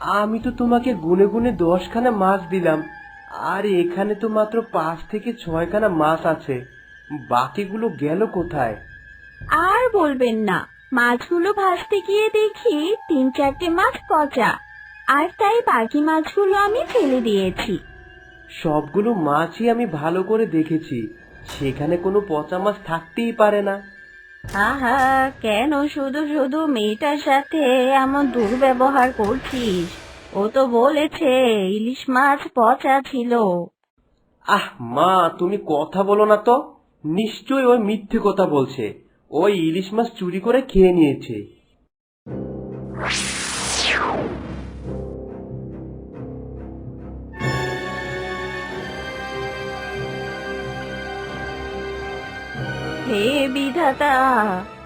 আমি তো তোমাকে গুনে গুনে 10খানা মাছ দিলাম, আর এখানে তো মাত্র 5 থেকে 6খানা মাছ আছে। বাকিগুলো গেল কোথায়? আর বলবেন না, মাছগুলো ভাজতে গিয়ে দেখি 3-4টে মাছ পচা, আর তাই বাকি মাছগুলো আমি ফেলে দিয়েছি। সবগুলো মাছই আমি ভালো করে দেখেছি, সেখানে কোনো পচা মাছ থাকতেই পারে না। আহা, কেন শুধু শুধু মেয়েটার সাথে এমন দুর্ব্যবহার করছিস? ও তো বলেছে ইলিশ মাছ পচা ছিল। আহ মা, তুমি কথা বলো না তো। নিশ্চয়ই ওই মিথ্যে কথা বলছে। ওই ইলিশ মাছ চুরি করে খেয়ে নিয়েছে। হে বিধাতা,